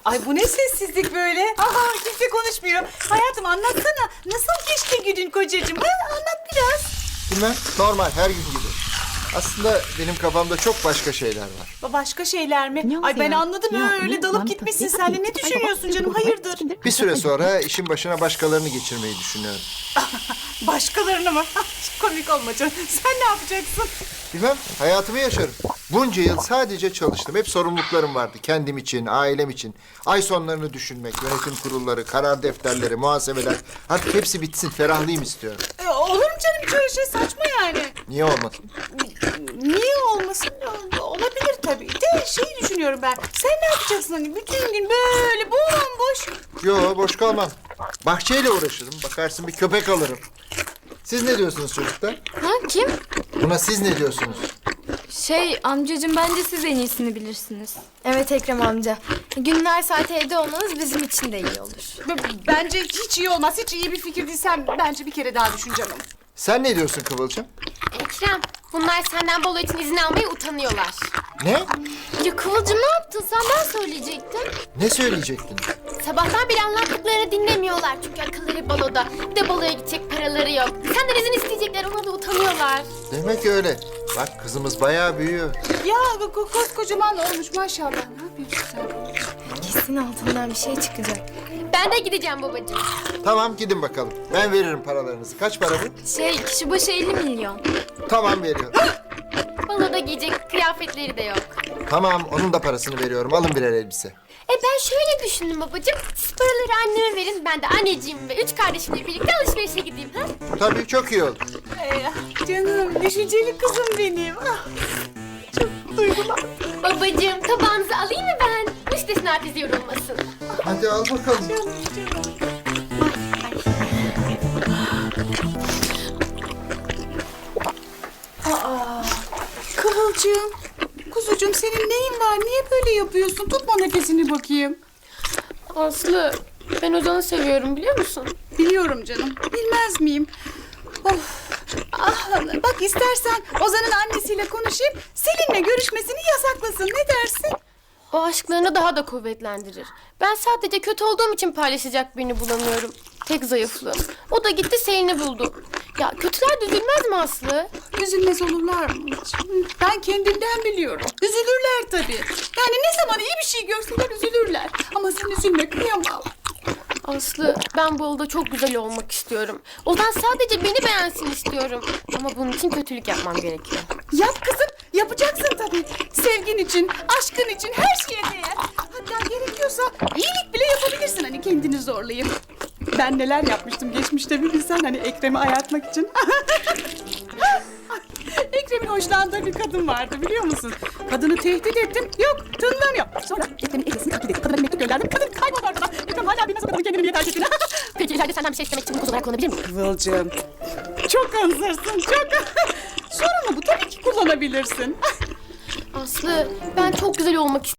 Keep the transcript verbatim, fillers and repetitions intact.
Ay bu ne sessizlik böyle? Aha kimse konuşmuyor. Hayatım anlatsana. Nasıl geçti günün kocacığım? Ha, anlat biraz. Bilmem, normal her gün gibi. Aslında benim kafamda çok başka şeyler var. Ba- Başka şeyler mi? Ne oldu Ay ben ya? anladım Ya, öyle ne? dalıp Lan, gitmişsin ne sen de. yapayım? Ne düşünüyorsun canım? Hayırdır? Bir süre sonra işin başına başkalarını geçirmeyi düşünüyorum. Başkalarını mı? Komik olma canım. Sen ne yapacaksın? Bilmem, hayatımı yaşarım. Bunca yıl sadece çalıştım. Hep sorumluluklarım vardı. Kendim için, ailem için. Ay sonlarını düşünmek, yönetim kurulları, karar defterleri, muhasebeler. Artık hepsi bitsin, ferahlayayım istiyorum. E, olur mu canım? Hiç öyle şey saçma yani. Niye olmasın? Niye olmasın? Olabilir tabii. De şey düşünüyorum ben. Sen ne yapacaksın hani bütün gün böyle bomboş? Yo, boş kalmam. Bahçeyle uğraşırım. Bakarsın bir köpek alırım. Siz ne diyorsunuz çocuklar? Ha kim? Buna siz ne diyorsunuz? Şey amcacığım bence siz en iyisini bilirsiniz. Evet Ekrem amca. Günler saat evde olmanız bizim için de iyi olur. B- Bence hiç iyi olmaz. Hiç iyi bir fikir değil. Sen bence bir kere daha düşün canım. Sen ne diyorsun Kıvılcım? Ekrem, bunlar senden balo için izin almaya utanıyorlar. Ne? Ya Kıvılcım ne yaptın sen? Ben söyleyecektim. Ne söyleyecektin? Sabahtan beri anlattıklarını dinlemiyorlar. Çünkü akılları baloda. Bir de baloya gidecek paraları yok. Senden izin isteyecekler, ona da utanıyorlar. Demek öyle. Bak kızımız bayağı büyüyor. Ya ko- koskocaman olmuş maşallah. Ne yapıyorsun sen? Kesin altından bir şey çıkacak. Ben de gideceğim babacığım. Tamam gidin bakalım. Ben veririm paralarınızı. Kaç para bu? Şey kişi başı elli milyon. Tamam veriyorum. Baloda giyecek kıyafetleri de yok. Tamam onun da parasını veriyorum. Alın birer elbise. E ben şöyle düşündüm babacığım. Siz paraları anneme verin. Ben de anneciğim ve üç kardeşimle birlikte alışverişe gideyim. Ha? Tabii çok iyi olur. Ee, canım düşünceli kızım benim. Ah, çok duygulandım. Babacığım tabağınızı alayım mı ben? Müstesna teyze yorulmasın. Hadi al bakalım. Kıvılcım, kuzucuğum senin neyin var? Niye böyle yapıyorsun? Tutma nefesini bakayım. Aslı, ben Ozan'ı seviyorum biliyor musun? Biliyorum canım. Bilmez miyim? Of. Ah, bak istersen Ozan'ın annesiyle konuşayım. Selin'le görüşmesini yasaklasın. Ne dersin? O aşklarını daha da kuvvetlendirir. Ben sadece kötü olduğum için paylaşacak birini bulamıyorum. Tek zayıflığım. O da gitti Selin'i buldu. Ya kötüler de üzülmez mi Aslı? Üzülmez olurlar mı hiç? Ben kendimden biliyorum. Üzülürler tabii. Yani ne zaman iyi bir şey görsünler üzülürler. Ama sen üzülme kıyamam. Aslı, ben bu yolda çok güzel olmak istiyorum. Ozan sadece beni beğensin istiyorum. Ama bunun için kötülük yapmam gerekiyor. Yap kızım. Yapacaksın tabii. Sevgin için, aşkın için her şeye değer. Hatta gerekiyorsa iyilik bile yapabilirsin hani kendini zorlayıp. Ben neler yapmıştım geçmişte bir bilsen hani Ekrem'i ayartmak için. Ekrem'in hoşlandığı bir kadın vardı biliyor musun? Kadını tehdit ettim. Yok tınlamıyor. Sonra Ekrem'in elbisini takip edip kadına bir mektup gönderdim. Kadın kayboldu ortadan. Ekrem hala bilmez o kadının kendini niye terk ettiğini. Peki ileride senden bir şey istemek için bu koz olarak kullanabilir miyim? Kıvılcım. Çok hazırsın çok. Sorun mu bu? Tabii ki kullanabilirsin. Aslı, ben çok güzel olmak istiyorum.